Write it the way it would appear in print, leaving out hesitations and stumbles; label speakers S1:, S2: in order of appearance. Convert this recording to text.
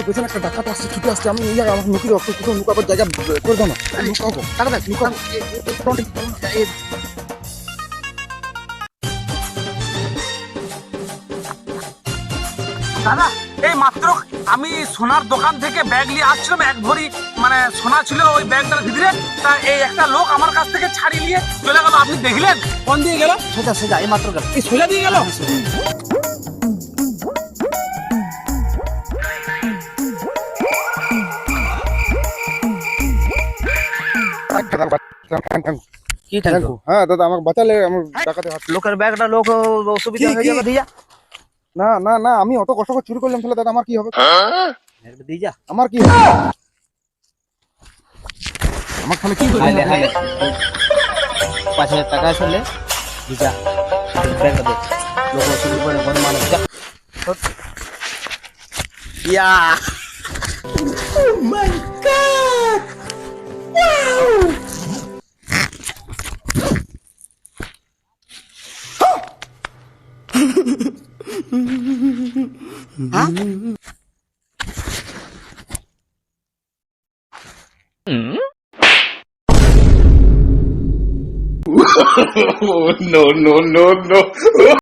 S1: পেছনে একটা ডাকাত আসছে, ছুটে আসছে। আমি আমাকে লুকিয়ে রাখতো, কোথাও লুকাবার জায়গা করে দাও না। লুকাবো, টাকা দেখ, লুকাবো।
S2: দাদা, এই মাত্র আমি সোনার দোকান থেকে ব্যাগ নিয়ে আসছিলাম, এক ভরি মানে সোনা ছিল ওই ব্যাগটার ভিতরে। তা এই একটা লোক আমার কাছ থেকে ছাড়িয়ে নিয়ে চলে গেল। আপনি দেখলেন? কোন দিয়ে গেল?
S1: সোজা সোজা এই মাত্র গেল।
S2: এই সোজা দিয়ে গেল?
S1: কি থ্যাংক? হ্যাঁ দাদা, আমাকে বাঁচালে। আমার ডাকাতে হাত।
S2: লোকের ব্যাগটা লোক অসুবিধা হয়ে যাবে, দিয়া
S1: না না না, আমি অত কষ্ট করে চুরি করলাম, তাহলে দাদা আমার কি হবে?
S2: দিয়ে যা।
S1: আমার কি হবে? আমার তাহলে কি হবে?
S2: 5,000 টাকা আসলে যা ব্যাগটা দে। লোক অসুবিধা করে বড় মানুষ যা। ইয়া
S3: no, no, no, no.